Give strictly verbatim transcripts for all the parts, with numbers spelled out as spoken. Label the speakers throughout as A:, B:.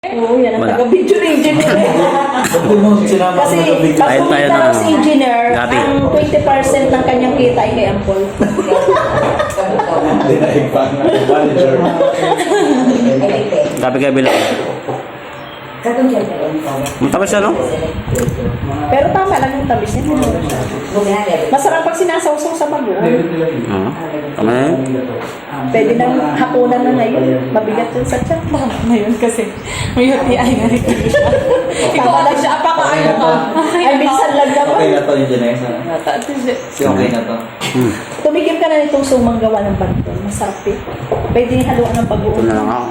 A: Oo, yan ang
B: Wala.
A: taga-video ng engineer. Kasi
B: Ayun tayo
A: pag
B: na,
A: si engineer,
B: Gabi.
A: ang twenty percent ng kanyang kita ay kay Ampol.
B: Gabi-gabi lang. Matamis siya, no?
A: Pero tama lang yung tamis niya. Masarap pag sinasawsaw sa bagoong.
B: Oo. Tama na yun.
A: Pwede nang hapunan na ngayon. Mabigat yun sa tiyan.
C: Tama na yun kasi may U T I na rin siya. Ikaw ate siya, apakaano ka?
A: Ay, minsan lang
D: Okay
A: naman.
D: na to yung Janessa. Si okay na to.
B: Hmm.
A: Tumigil ka na nitong sumang gawa ng banton. Masarap eh. Pwede haluan ng
B: Ito
A: bagoong.
B: na lang ako.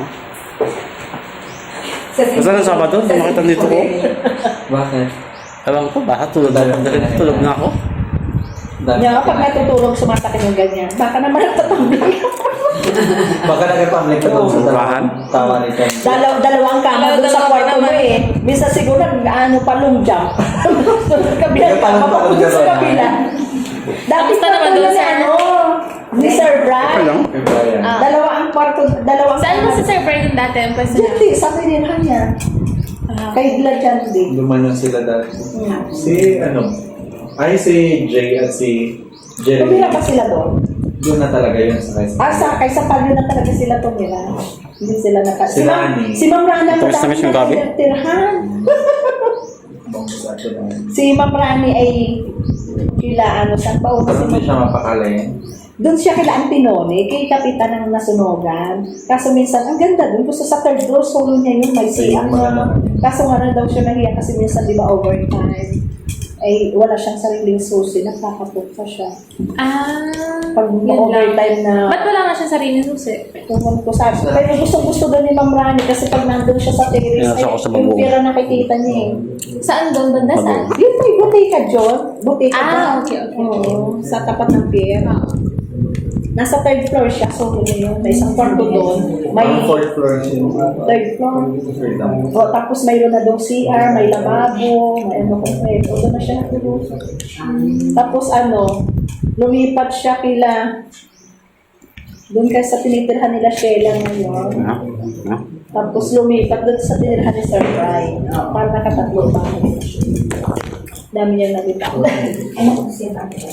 B: Basta ng Sabado, makita dito ko.
D: Bakit?
B: Ewan ko, baka tulog na, tulog na ako.
D: Dami
A: Kaya
D: ka
A: pag
D: na.
A: natutulog, sumasakit yung ganyan. Baka naman nagtatambling.
D: Baka nagpapamlik ka doon sa
B: Bahan?
D: tawa ni Chen.
A: Dalaw, dalawang kama
C: Dalaw-
A: doon sa
C: dalawa
A: kwarto mo
C: naman.
A: eh. Minsan siguro ano pa long jump. Sa kabilang
D: May palong
A: kama,
D: palong
A: papunta sa
D: jump,
A: kabila. Dati
C: Kamusta
A: pa
C: naman
A: tulad
C: doon,
A: ni
C: sir?
A: ano, ni Sir Brad.
B: Okay lang.
D: Kay Brian.
C: Ah.
A: Dalawa ang kwarto, dalawang
C: Saan mo si Sir Brian dati ang pwesto
A: Diyan
C: niya?
A: di, sa pinirhan niya.
C: Ah.
A: Kay Glad dyan di.
D: Lumanon sila dati.
A: Hmm.
E: Si ano? Ay si Jay at si Jeremy.
A: Tumira pa sila doon.
D: Doon na talaga yun sa Quezon.
A: Ah, sa, kay sa palyo na talaga sila tumira. Hindi sila naka...
D: Si
A: Ma'am-
D: Nani.
A: Si Ma'am Rana
B: Tapos
A: madami
B: namin siyang
A: na
B: gabi?
A: tinirhan.
D: Bang sa atin lang.
A: Si Ma'am Rani ay kila ano, saan pa una
D: Pero
A: si
D: hindi
A: Ma'am?
D: siya mapakalayan.
A: Doon siya kila Antinone, kay kapitan ng nasunogan. Kaso minsan, ang ganda doon. Gusto sa third floor, solo niya yun, may C R na. Kaso nga na daw siya nahiya kasi minsan di ba overtime. Ay wala siyang sariling susi, nagkakapunta siya.
C: Ah,
A: Pag
C: yun lang.
A: overtime na,
C: Ba't wala nga siya sarili susi?
A: tungkol ko sabi. Pero gustong gusto doon ni Ma'am Rani kasi pag nandun siya sa terrace,
B: Nasa
A: ay,
B: ako sa
A: yung
B: bagoong.
A: pira nakikita niya eh.
C: Saan doon? Banda saan?
A: Yung may butika, John. Butika
C: Ah,
A: ba?
C: okay, okay.
A: Oo, sa tapat ng pier.
C: Ah.
A: Nasa third floor siya, so yun yun. May isang kwarto doon. May
D: Ang fourth floor siya.
A: third floor.
D: Third lang.
A: O, tapos mayroon na daw C R, may lababo, may ano kung eh. O, doon na siya natulog. Tapos ano, lumipat siya kila, doon kasi sa tinitirhan nila Sheila ngayon.
B: Ha? Ha?
A: Tapos lumipat doon sa tinirhan ni Sir Brian. Para nakatatlo pa. Dami niya nabita. Ano ko siya natin?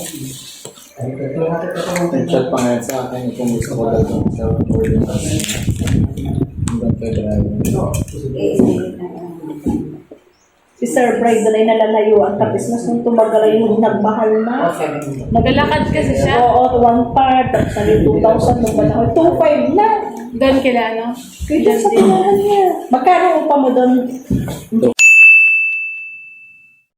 D: Nag-chat pa ngayon sa akin kung gusto ko daw dun sa boarding house. Hanggang February.
A: Si Sir Brian doon ay nalalayo ang tapos mas nung tumagal ay yung nagmahal na.
C: Naglalakad kasi siya.
A: Oo, one part. Tapos naging two thousand nung panahon. two five na.
C: Doon kila ano?
A: Kaya sa tinahan niya. Magkano upa mo doon?